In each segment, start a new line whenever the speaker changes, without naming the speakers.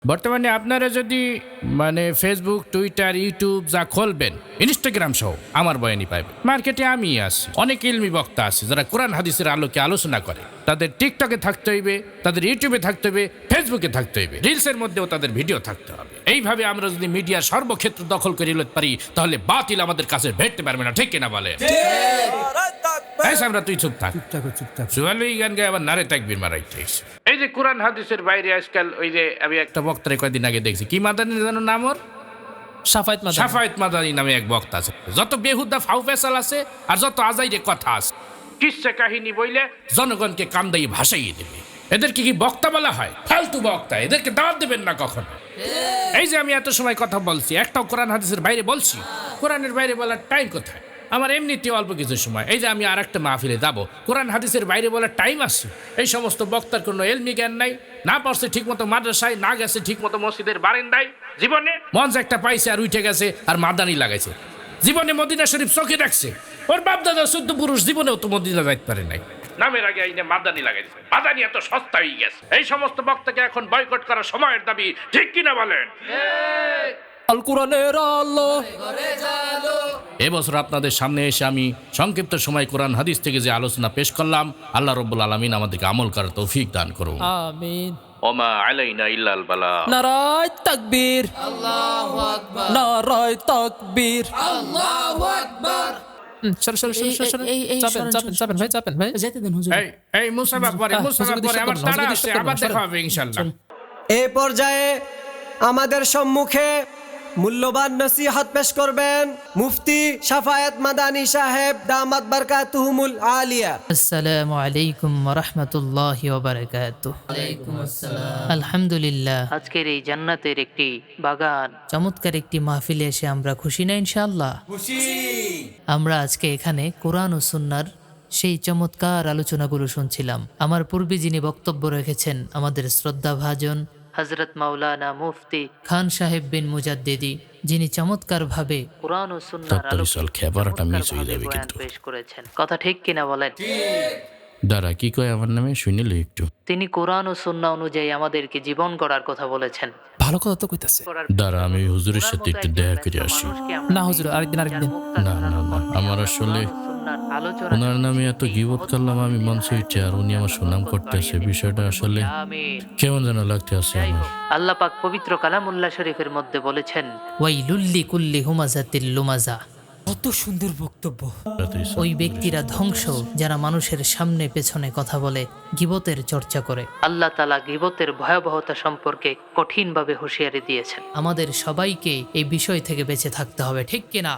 বর্তমানে আপনারা যদি মানে ফেসবুক, টুইটার, ইউটিউব যা খুলবেন, ইনস্টাগ্রাম সহ আমার বয়ানি পাইবেন। মার্কেটে আমি আছি, অনেক ইলমি বক্তা আছে যারা কোরআন হাদিসের আলোকে আলোচনা করে। তাদের টিকটকে থাকতে হইবে, তাদের ইউটিউবে থাকতে হবে, ফেসবুকে থাকতে হইবে, রিলসের মধ্যেও তাদের ভিডিও থাকতে হবে। এইভাবে আমরা যদি মিডিয়ার সর্বক্ষেত্র দখল করে নিতে পারি, তাহলে বাতিল আমাদের কাছে ভেটতে পারবে না। ঠিক কিনা বলে? আমরা তুই চুপ থাক, সুয়ালুই গান গায়ে আবার নারে তাকবীর মারাইতে। এই যে কোরআন হাদিসের বাইরে আজকাল ওই যে আমি একটা বক্তারে কয়েকদিন আগে দেখছি, কি মাদানি জানো নাম ওর? সাফায়েত মাদানি নামে এক বক্তা আছে। যত বেহুদা ফাউ ফেসাল আছে আর যত আজাইরে কথা আছে, কিসসা কাহিনী বইলে জনগণকে কান্দাই ভাসাইয়ে দেবে। এদেরকে কি বক্তা বলা হয়? ফালতু বক্তা, এদেরকে দাওয়াত দেবেন না কখনো। এই যে আমি এত সময় কথা বলছি, একটাও কোরআন হাদিসের বাইরে বলছি? কোরআনের বাইরে বলার টাইম কোথায়? আমার এমনিতে অল্প কিছু সময়, এই যে আমি আর একটা মাহফিলে যাবো, কোরআন হাদিসের বাইরে বলার টাইম আছে? এই সমস্ত বক্তার কোনো এলমি জ্ঞান নাই, না পড়ছে ঠিক মতো মাদ্রাসায়, না গেছে ঠিক মতো মসজিদের বারান্দায়, জীবনে মঞ্চ একটা পাইছে আর উঠে গেছে আর মাদানি লাগাইছে। জীবনে মদিনা শরীফ চোখে রাখছে, ওর বাপ দাদা 14 পুরুষ জীবনেও তো মদিনা যাইতে পারে নাই, নামের আগে আইনে মাদানি লাগাইছে। মাদানি এত সস্তা হয়ে গেছে। এই সমস্ত বক্তাকে এখন বয়কট করা সময়ের দাবি। ঠিক কিনা বলেন? এবছর আপনাদের সামনে এসে আমি সংক্ষিপ্ত সময় কোরআন হাদিস থেকে যে আলোচনা পেশ করলাম, আল্লাহ রাব্বুল আলামিন আমাদেরকে আমল করার তৌফিক দান করুন।
আমিন।
ওমা আলাইনা ইল্লাল বালা।
নারায়ে তাকবীর,
আল্লাহু আকবার,
নারায়ে তাকবীর,
আল্লাহু আকবার।
চাপেন ভাই
যেতে দেন হুজুর।
এই মুসাফা পরে আমার তাড়া আছে, আবার দেখা হবে ইনশাআল্লাহ।
এই পর্যায়ে আমাদের সম্মুখে মূল্যবান নসিহত পেশ করবেন মুফতি শাফায়েত মাদানী সাহেব, দামাত বারকাতুহুমুল আলিয়া।
আসসালামু আলাইকুম ওয়া রাহমাতুল্লাহি ওয়া বারাকাতুহু।
ওয়ালাইকুম আসসালাম।
আলহামদুলিল্লাহ, আজকের এই জান্নাতের একটি বাগান, চমৎকার একটি মাহফিলে এসে আমরা খুশি না ইনশাআল্লাহ? খুশি। আমরা আজকে এখানে কোরআন ও সুন্নাহর সেই চমৎকার আলোচনাগুলো শুনছিলাম। আমার পূর্বে যিনি বক্তব্য রেখেছেন, আমাদের শ্রদ্ধাভাজন হযরত মাওলানা মুফতি খান সাহেব বিন মুজাদ্দিদি, যিনি চমৎকারভাবে কোরআন ও সুন্নাহর আলোচনা পেশ করেছেন। কথা ঠিক কিনা বলেন?
দাঁড়া, কি কয় আমার নামে? শুনিলে একটু।
তিনি কোরআন ও সুন্নাহ অনুযায়ী আমাদেরকে জীবন গড়ার কথা বলেছেন।
ভালো কথা তো কইতাছে।
দাঁড়া, আমি হুজুরের সাথে একটু দেখা করে আসি।
না হুজুর, আরেকদিন।
না, আমার আসলে ওনার নামে এত গীবত করলাম আমি মঞ্চে উঠে, আর উনি আমার সুনাম করতেছে। বিষয়টা আসলে কেমন যেন লাগতে আছে আমার।
আল্লাহ পাক পবিত্র কালামুল্লাহ শরীফের মধ্যে বলেছেন, ওয়াইলুল্লি কুল্লি হুমাজাতিল লুমাজা।
কত সুন্দর বক্তব্য।
ওই ব্যক্তিরা ধ্বংস যারা মানুষের সামনে পেছনে কথা বলে, গীবতের চর্চা করে। আল্লাহ তাআলা গীবতের ভয়াবহতা সম্পর্কে কঠিনভাবে হুঁশিয়ারি দিয়েছেন। আমাদের সবাইকে এই বিষয় থেকে বেঁচে থাকতে হবে। ঠিক কিনা?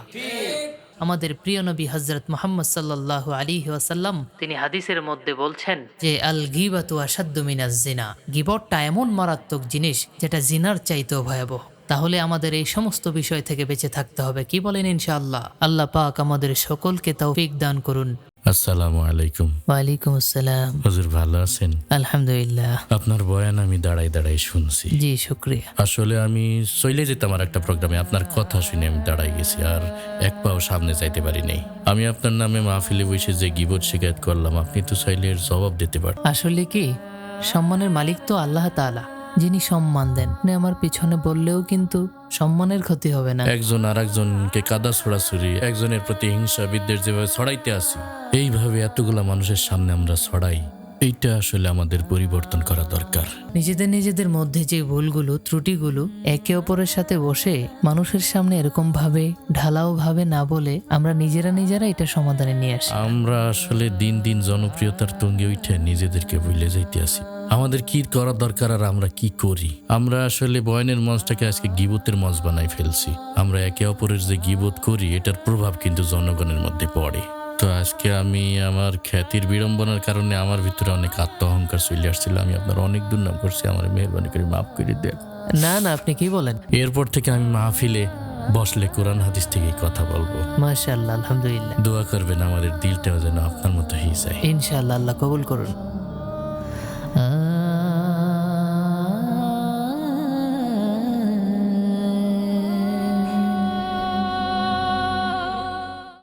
আমাদের প্রিয় নবী হযরত মুহাম্মদ সাল্লাল্লাহু আলাইহি ওয়াসাল্লাম তিনি হাদিসের মধ্যে বলছেন যে আল গীবাতু আশাদ্দু মিনাজ জিনা। গীবতটা এমন মারাত্মক জিনিস যেটা জিনার চাইতেও ভয়াবহ। তাহলে আমাদের এই সমস্ত বিষয় থেকে বেঁচে থাকতে হবে। কি বলেন ইনশাআল্লাহ? আল্লাহ পাক আমাদের সকলকে তৌফিক দান করুন।
আসসালামু আলাইকুম।
ওয়ালাইকুম আসসালাম।
হুজুর ভালো আছেন?
আলহামদুলিল্লাহ।
আপনার বয়ান আমি দাঁড়াই শুনছি।
জি শুকরিয়া।
আসলে আমি চলে যেতাম আর একটা প্রোগ্রামে, আপনার কথা শুনে আমি দাঁড়াই গেছি, আর এক পাও সামনে যাইতে পারি নাই। আমি আপনার নামে মাহফিলে বসে যে গীবত শিকায়ত করলাম, আপনি তো চাইলে এর জবাব দিতে পারেন।
আসলে কি, সম্মানের মালিক তো আল্লাহ তাআলা, যিনি সম্মান দেন। আমার পিছনে বললেও কিন্তু সম্মানের ক্ষতি হবে না।
একজন আর একজনকে কাদা ছড়াছড়ি, একজনের প্রতি হিংসা বিদ্বেষ যেভাবে ছড়াইতে আসি, এইভাবে এতগুলা মানুষের সামনে আমরা ছড়াই, এইটা আসলে আমাদের পরিবর্তন করা দরকার।
নিজেদের মধ্যে যে ভুলগুলো, ত্রুটিগুলো একে অপরের সাথে বসে মানুষের সামনে এরকম ভাবে ঢালাও ভাবে না বলে আমরা নিজেরা এটা সমাধানে নিয়ে আসি।
আমরা আসলে দিন দিন জনপ্রিয়তার তুঙ্গে উঠে নিজেদেরকে ভুলে যাইতে আসি। আমাদের কি করা দরকার আর আমরা কি করি? আমরা আসলে বয়ানের মঞ্চটাকে আজকে গীবতের মঞ্চ বানাই ফেলছি। আমরা একে অপরের যে গীবত করি, এটার প্রভাব কিন্তু জনগণের মধ্যে পড়ে। তো আজকে আমি আমার খ্যাতির বিড়ম্বনার কারণে আমার ভিতরে অনেক আত্ম অহংকার চলে আসছিল। আমি আপনার অনেক দুর্নাম করছি, আমার মেহরবানি করে মাফ করে দেন।
না আপনি কি বলেন?
এরপর থেকে আমি মাহফিলে বসলে কোরআন হাদিস থেকে কথা বলবো।
মাশাআল্লাহ, আলহামদুলিল্লাহ।
দোয়া করবেন আমাদের দিলটাও যেন আপনার মতো হয়ে যায়।
ইনশাআল্লাহ, আল্লাহ কবুল করুন।